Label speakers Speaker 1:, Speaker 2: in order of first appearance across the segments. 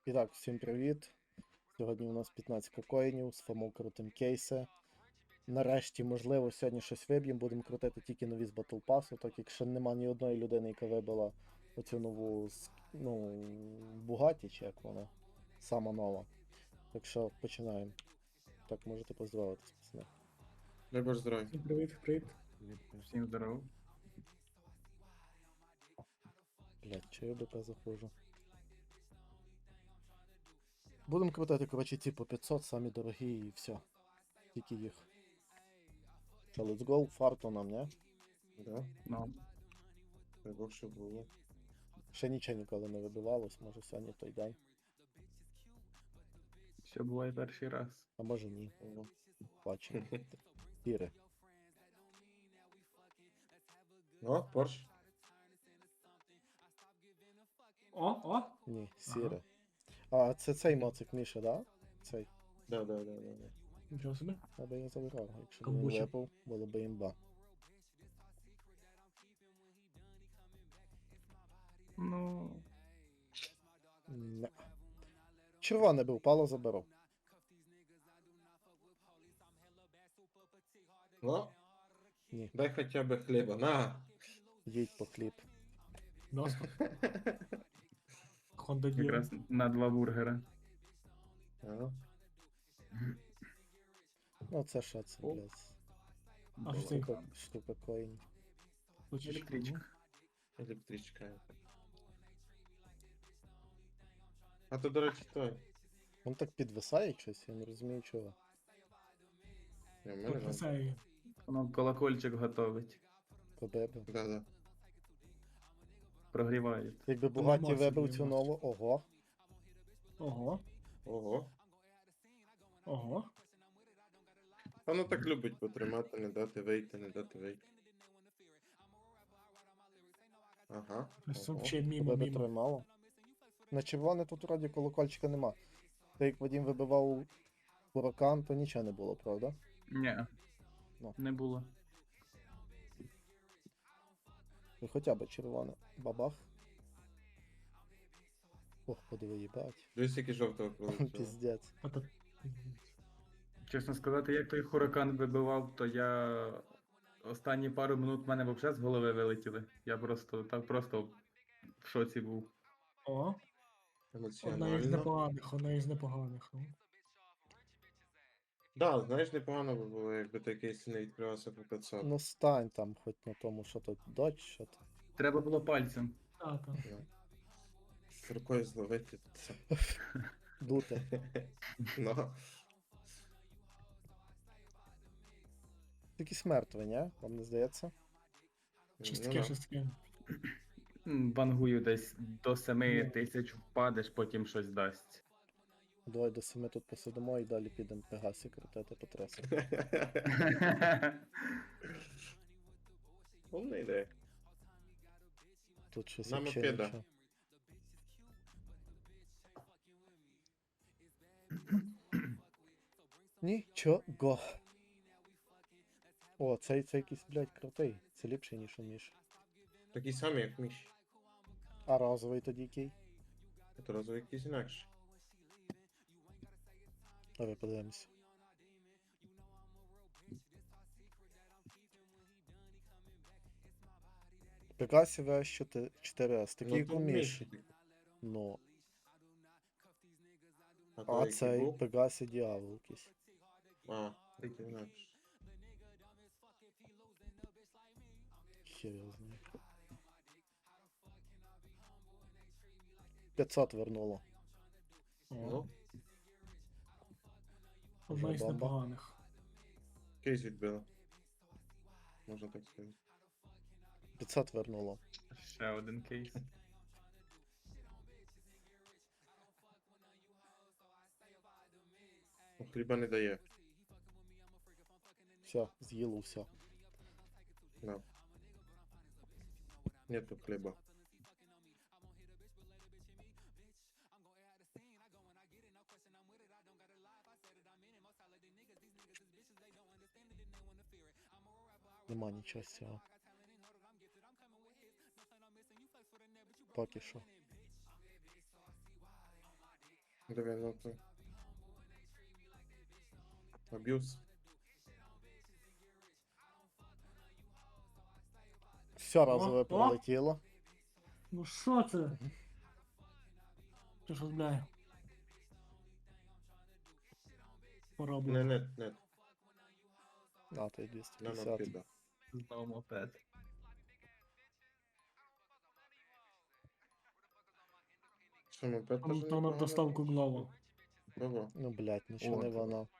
Speaker 1: І так, всім привіт. Сьогодні у нас 15 коїнів, з Фомо крутим кейси. Нарешті, можливо, сьогодні щось виб'ємо, будемо крутити тільки нові з Battle Pass, так як ще нема ні одної людини, яка вибила оцю нову, Бугаті, чи як вона, сама нова. Так що починаємо. Так, можете поздоровитись, пацани.
Speaker 2: Дай Боже здоров'я.
Speaker 3: Всім привіт.
Speaker 2: Всім здорово.
Speaker 1: Блять, чи я БП заходжу? Будемо крутити, коротше, ці по 500, самі дорогі і все. Тільки їх. Що, let's go, фарту нам, не?
Speaker 2: Да,
Speaker 3: Ну,
Speaker 2: дай Бог, що було.
Speaker 1: Ще нічого ніколи не вибивалось, може сьогодні той день.
Speaker 3: все буває перший раз.
Speaker 1: А може ні.
Speaker 2: Ого.
Speaker 1: Бачимо. Тіри.
Speaker 2: О, Порш.
Speaker 3: О!
Speaker 1: Ні, сіре. А, це цей моцик Міша, да? Цей.
Speaker 2: Да.
Speaker 3: Нічого собі.
Speaker 1: Аби я забирав, якщо б він
Speaker 3: Камбуча.
Speaker 1: випав, було б імба.
Speaker 3: Ну,
Speaker 1: Не. Червоне би впало, заберу.
Speaker 2: О,
Speaker 1: Ні,
Speaker 2: дай хоча б хліба. На.
Speaker 1: їдь по хліб.
Speaker 3: доску. Honda Deal.
Speaker 4: Якраз на 2 бургера.
Speaker 2: Ага.
Speaker 1: Ну це що це,
Speaker 2: О.
Speaker 1: блядь?
Speaker 3: А що це?
Speaker 1: Штука коїнів.
Speaker 3: Хочеш?
Speaker 4: Електричка.
Speaker 2: Електричка. А то, до речі, той.
Speaker 1: Він так підвисає щось, я не розумію чого.
Speaker 2: Ні, в
Speaker 3: Ну,
Speaker 2: мене норм.
Speaker 3: Потрясає.
Speaker 4: Воно колокольчик готовить.
Speaker 1: Побебе.
Speaker 2: Да.
Speaker 4: Прогрівають.
Speaker 1: Якби
Speaker 3: Ну,
Speaker 1: Бугаті
Speaker 3: емоції,
Speaker 1: вибив цю
Speaker 3: емоції.
Speaker 1: нову, ого.
Speaker 2: Ого.
Speaker 3: Ого.
Speaker 2: Воно так любить потримати, не дати вийти. Ага.
Speaker 3: Це
Speaker 2: Ого.
Speaker 3: взагалі мімо,
Speaker 1: Тебе
Speaker 3: мімо.
Speaker 1: тримало. На червоне тут вроді колокольчика нема. Та як Вадим вибивав Буракан, то нічого не було, правда?
Speaker 4: Ні.
Speaker 1: Ну.
Speaker 4: Не було.
Speaker 1: Ну хоча б червоне. Бабах. Ох, подиви, їбать.
Speaker 2: Дивись, який жовтого пролетіло.
Speaker 1: Піздець.
Speaker 3: А то-
Speaker 4: Чесно сказати, як той хуракан вибивав, то я останні пару минут в мене взагалі з голови вилетіли. Я просто в шоці був.
Speaker 3: О, одна із
Speaker 2: Емоціонально.
Speaker 3: непоганих. Ну.
Speaker 2: Да, знаєш, непогано би було, якби такий не відкривався по 500.
Speaker 1: Ну стань там, хоч на тому, що тут дочь, що то.
Speaker 4: Треба було пальцем.
Speaker 3: Так.
Speaker 2: Ну. З рукою зловити це.
Speaker 1: Дути.
Speaker 2: Ну.
Speaker 1: Якийсь мертвий, ні? Вам не здається?
Speaker 3: Щось
Speaker 2: Ну,
Speaker 3: таке,
Speaker 2: да.
Speaker 3: щось таке.
Speaker 4: Вангую десь до 7
Speaker 3: Ну.
Speaker 4: тисяч впадеш, потім щось дасть.
Speaker 1: Давай до 7 тут посидимо і далі підемо Пегасі крутити по трасі.
Speaker 2: Умна ідея.
Speaker 1: Тут щось
Speaker 2: На
Speaker 1: вообще
Speaker 2: мопеда.
Speaker 1: нічого. Нічого. О, цей якийсь, блядь, крутий. Це ліпший, ніж у Міші.
Speaker 2: Такий самий, як Міш.
Speaker 1: А розовий тоді який?
Speaker 2: Це розовий якийсь інакший.
Speaker 1: Давай подивимось. Пегасі V4S, такий як у
Speaker 2: то
Speaker 1: Міші.
Speaker 2: Міш.
Speaker 1: Ну,
Speaker 2: А,
Speaker 1: а
Speaker 2: той, який
Speaker 1: цей
Speaker 2: був?
Speaker 1: Пегасі Діавол якийсь.
Speaker 2: А, такий інакший.
Speaker 1: Хер його знає. 500 вернуло.
Speaker 3: О,
Speaker 2: Ну,
Speaker 3: одна із
Speaker 1: бомба.
Speaker 3: непоганих.
Speaker 2: кейс відбило. Можна так сказати.
Speaker 1: 500 вернуло.
Speaker 4: Ще один кейс.
Speaker 2: Ну, хліба не дає.
Speaker 1: Все, з'їло все.
Speaker 2: Да. Нету хліба.
Speaker 1: Нема нічого з цього. Поки що.
Speaker 2: Диви, ну то. Аб'юз.
Speaker 1: Все разове
Speaker 3: О!
Speaker 1: пролетіло.
Speaker 3: Ну що це? Ти ж розбляє. Пора
Speaker 2: Не,
Speaker 3: було.
Speaker 2: не.
Speaker 1: А, то й
Speaker 2: На
Speaker 1: 250.
Speaker 2: мопіда.
Speaker 4: Знову мопед.
Speaker 2: Що, мопед теж
Speaker 3: Там на
Speaker 2: непогано?
Speaker 3: доставку главу.
Speaker 2: Ого.
Speaker 1: Ну, блядь, нічого не
Speaker 4: От.
Speaker 1: воно.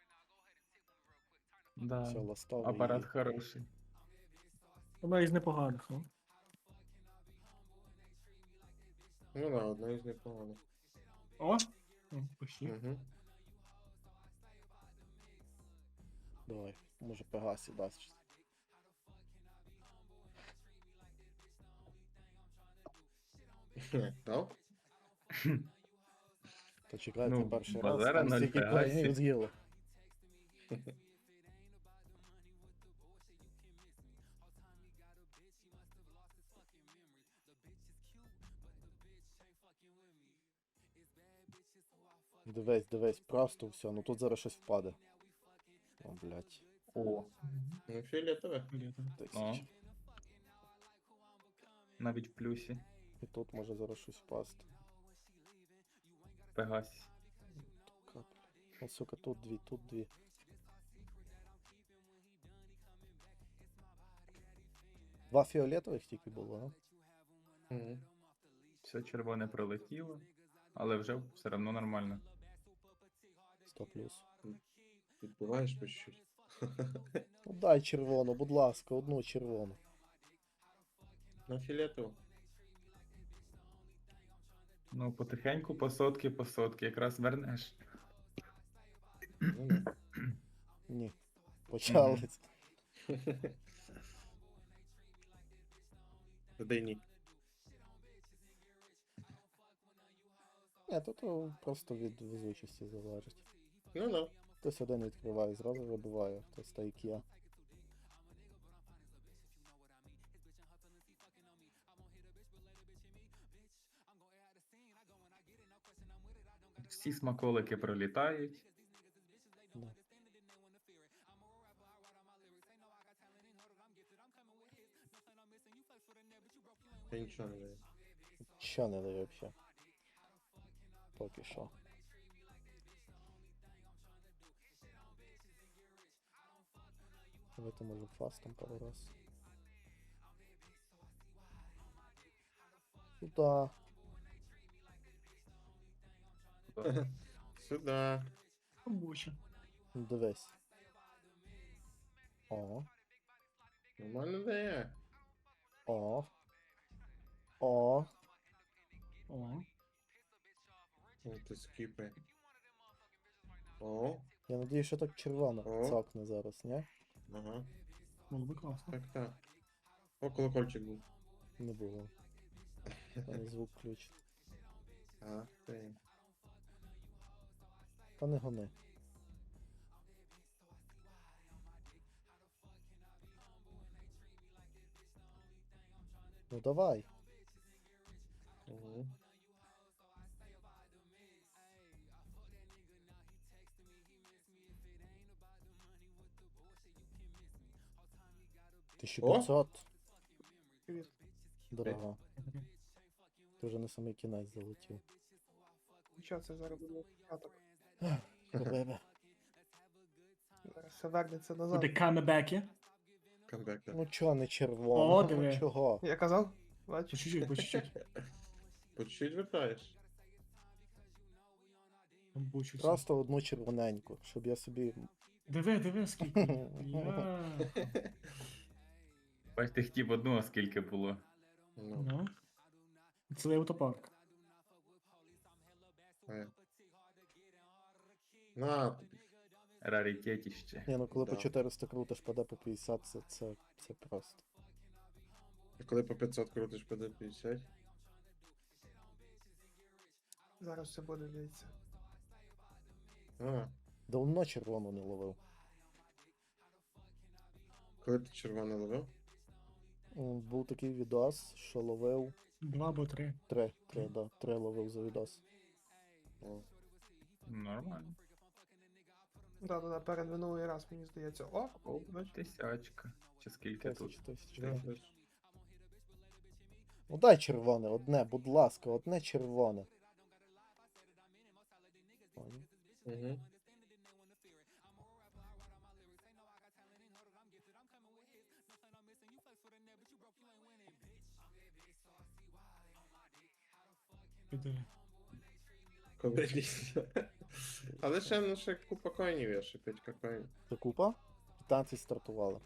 Speaker 4: Да.
Speaker 1: Все, ластовий.
Speaker 4: Апарат хороший.
Speaker 3: Одна із непоганих, ну.
Speaker 2: Ну да, одна із непоганих.
Speaker 3: О! Почти.
Speaker 2: Угу.
Speaker 1: Давай, може Пегасі дасть. щось.
Speaker 2: Дав?
Speaker 1: То чекайте
Speaker 4: Ну,
Speaker 1: перший раз.
Speaker 4: базара
Speaker 1: Там
Speaker 4: ноль
Speaker 1: стільки
Speaker 4: Пегасі.
Speaker 1: коїнів з'їли. Дивись, дивись, просто все. Ну тут зараз щось впаде. О, блядь.
Speaker 4: О,
Speaker 2: Ну, фіолетове.
Speaker 1: Тисяча.
Speaker 4: навіть в плюсі.
Speaker 1: І тут може зараз щось впасти.
Speaker 4: Пегасі.
Speaker 1: Капля. О, сука, тут дві, тут дві. Два фіолетових тільки було, а?
Speaker 2: Угу.
Speaker 4: Все червоне пролетіло, але вже все одно нормально.
Speaker 1: 100 плюс.
Speaker 2: Відбуваєш по чуть-чуть.
Speaker 1: Ну дай червону, будь ласка, одну червону.
Speaker 2: На фіолетову.
Speaker 4: Ну, потихеньку, по сотки, якраз вернеш.
Speaker 2: Ну, да.
Speaker 1: Ні. Почались.
Speaker 2: Дай ні.
Speaker 1: Ні, тут просто від везучості залежить.
Speaker 2: Ну да.
Speaker 1: Хтось один відкриває, зразу вибиває, хтось так як я.
Speaker 4: Всі смаколики пролітають.
Speaker 1: Да.
Speaker 2: Я нічого не даю.
Speaker 1: Що не дає взагалі? Поки що. Давайте може фастом пару раз. Сюда.
Speaker 2: Сюда.
Speaker 3: Робоче.
Speaker 1: Ну, дивись. О,
Speaker 2: Нормально дає.
Speaker 1: о. О.
Speaker 3: О.
Speaker 2: О, ти скіпи. О,
Speaker 1: Я надію, що так червоно
Speaker 2: О.
Speaker 1: цокне зараз, ні?
Speaker 2: ага.
Speaker 3: Було би класно.
Speaker 2: Так. О, колокольчик був.
Speaker 1: Не було. Там звук включить.
Speaker 2: А, ти.
Speaker 1: Та не гони. Ну давай.
Speaker 2: Угу. О!
Speaker 1: 1500.
Speaker 3: Привіт.
Speaker 1: Дорога. Ти вже на самий кінець залетів.
Speaker 5: Що це зараз буде початок?
Speaker 1: Бебе.
Speaker 5: Зараз все вернеться назад.
Speaker 3: Буде камебеки.
Speaker 2: Камбек, так.
Speaker 1: Ну чого не червоно?
Speaker 3: О,
Speaker 1: Ну,
Speaker 3: диви.
Speaker 1: чого?
Speaker 5: Я казав?
Speaker 3: По
Speaker 5: Бачиш?
Speaker 3: чуть-чуть, по чуть-чуть.
Speaker 2: По чуть вертаєш.
Speaker 3: Там бучуся.
Speaker 1: Просто одну червоненьку, щоб я собі.
Speaker 3: Диви, скільки. Я.
Speaker 4: Бачите, хотів одну, а скільки було.
Speaker 2: Ну,
Speaker 3: Ну. Цілий автопарк.
Speaker 2: на тобі.
Speaker 4: Раритетіще.
Speaker 1: Ні, ну коли по
Speaker 2: Да.
Speaker 1: 400 крутиш, паде по 50, це просто.
Speaker 2: А коли по 500 крутиш по 50?
Speaker 5: Зараз все буде, дивіться.
Speaker 2: А,
Speaker 1: Давно червону не ловив.
Speaker 2: коли ти червоне ловив?
Speaker 1: Був такий відос, що ловив
Speaker 3: 2 або 3.
Speaker 1: три ловив за відос.
Speaker 2: О.
Speaker 4: Нормально.
Speaker 5: Да, перед минулий раз, мені здається. О,
Speaker 4: О,
Speaker 5: бач.
Speaker 4: тисячка. Чи скільки тут?
Speaker 1: Тисяч.
Speaker 2: Да, десь.
Speaker 1: Ну дай червоне, одне, будь ласка, одне червоне. Поняв?
Speaker 2: Угу.
Speaker 3: Піде.
Speaker 2: Коли ліс. Але ще, ну, ще купа коїнів є, ще 5 коїнів.
Speaker 1: Це купа? 15 стартувало.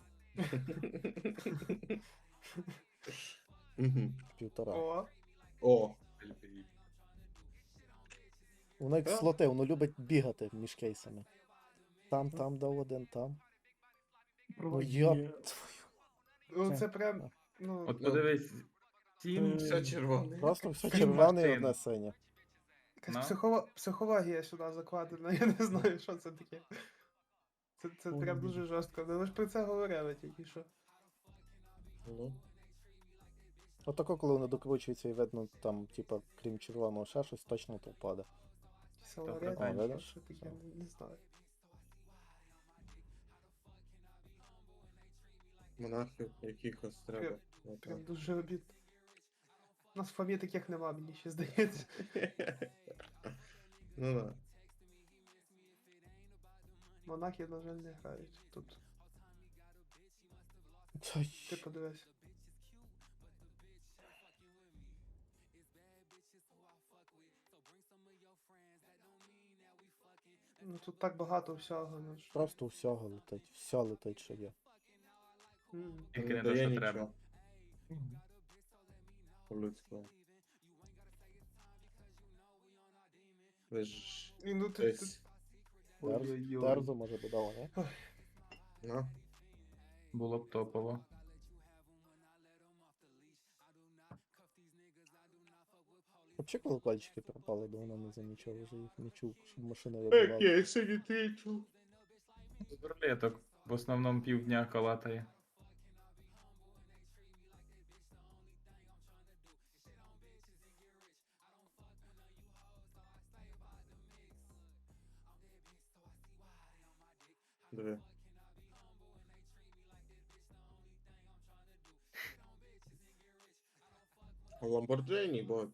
Speaker 2: Угу.
Speaker 1: Півтора.
Speaker 5: О,
Speaker 2: О,
Speaker 1: Воно як
Speaker 2: Так.
Speaker 1: слоти, воно любить бігати між кейсами. Там дав один, там. Ну
Speaker 3: Проводні.
Speaker 1: я.
Speaker 5: ну
Speaker 1: Це-
Speaker 5: це прям, ну,
Speaker 4: От подивись, 7
Speaker 2: все червоне.
Speaker 1: Просто все
Speaker 4: Сім
Speaker 1: червоне і
Speaker 4: машин.
Speaker 1: одне синє.
Speaker 5: якась
Speaker 4: Ну.
Speaker 5: психологія сюди закладена, я не знаю, що це таке. Це
Speaker 3: Ой,
Speaker 5: прям
Speaker 3: ні.
Speaker 5: дуже жорстко. Ми ж про це говорили тільки що.
Speaker 2: Ну,
Speaker 1: Отако, коли воно докручується і видно, там, типа, крім червоного, ще щось точно то впаде.
Speaker 5: Силарет,
Speaker 4: прикольно.
Speaker 5: що таке, не знаю.
Speaker 2: монахів якихось треба.
Speaker 5: Прям дуже обідно. У нас в фамі таких нема, мені ще здається.
Speaker 2: Ну да.
Speaker 5: Монахи, на жаль, не грають тут. Ти подивись. Ну тут так багато всього, ну ж.
Speaker 1: Просто всього летить, все летить, що є.
Speaker 4: Тільки
Speaker 2: Не
Speaker 4: не те,
Speaker 2: дає
Speaker 4: що
Speaker 2: нічого
Speaker 4: треба.
Speaker 3: Мгм.
Speaker 2: по-людському. Ви ж
Speaker 5: І ну ти.
Speaker 2: десь.
Speaker 1: Дерзу може додала, не?
Speaker 2: Ну,
Speaker 4: Було б топово.
Speaker 1: Взагалі колокольчики пропали, давно не замічав, вже їх не чув, щоб машини вибивали.
Speaker 2: я сьогодні тичу.
Speaker 4: З рулеток в основному півдня калатає.
Speaker 2: Диви. Ламборджині, бо.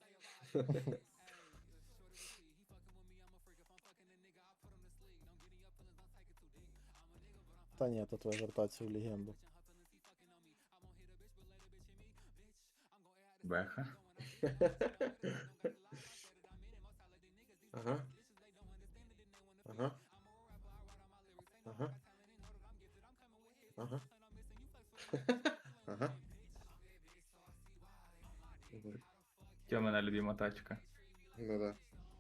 Speaker 1: Та ні, то твоя вертація в легенду.
Speaker 4: Беха.
Speaker 2: Ага. Ага. Ага. Ага. Ага.
Speaker 4: Тьомина любима тачка.
Speaker 2: Ну да.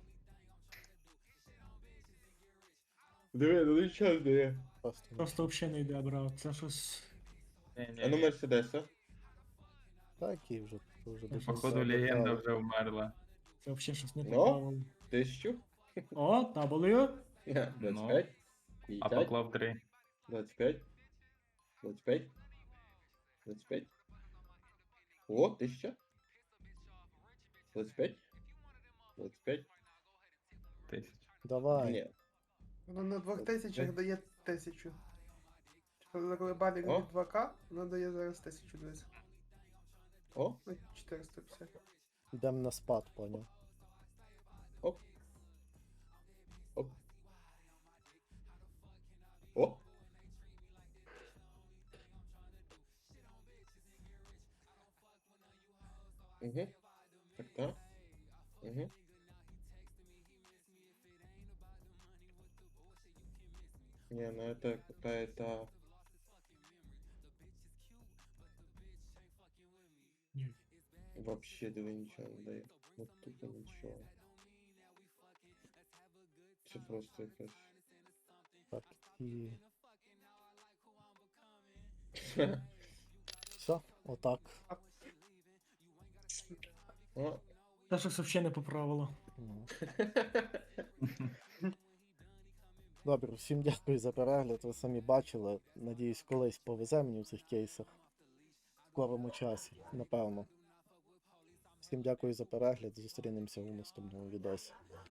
Speaker 2: Диви, ну нічого дає.
Speaker 1: Просто
Speaker 3: Просто взагалі не йде, брат. Це щось.
Speaker 2: А ну Мерседеса.
Speaker 1: такий вже дуже
Speaker 4: Походу
Speaker 1: все
Speaker 4: легенда
Speaker 1: деталі.
Speaker 4: вже вмерла.
Speaker 3: Це взагалі щось не
Speaker 2: Ну?
Speaker 3: попало.
Speaker 2: 1000.
Speaker 3: О, W.
Speaker 2: 25.
Speaker 4: А
Speaker 2: 50.
Speaker 4: поклав 3.
Speaker 2: 25. 25. 25. О, 1000. 25. 25.
Speaker 4: Тисяч.
Speaker 1: Давай.
Speaker 2: Ні.
Speaker 5: Воно на 2000 дає 1000. Коли бабік
Speaker 2: О.
Speaker 5: від 2К, воно дає зараз 1000 дивись.
Speaker 2: О,
Speaker 5: Ну, 450.
Speaker 1: Йдемо на спад, поняв.
Speaker 2: оп. Оп. О. Угу. Так, так. Угу. Не, ну это какая-то...
Speaker 3: Ні.
Speaker 2: Вообще давай ничего не дает. Вот тупо ничего. Це просто якась...
Speaker 1: Так, і. Все, отак.
Speaker 2: О.
Speaker 3: Це щось взагалі не поправило.
Speaker 1: Ну. Добре, всім дякую за перегляд. Ви самі бачили. Надіюсь, колись повезе мені в цих кейсах. В скорому часі, напевно. Всім дякую за перегляд. Зустрінемося у наступному відосі.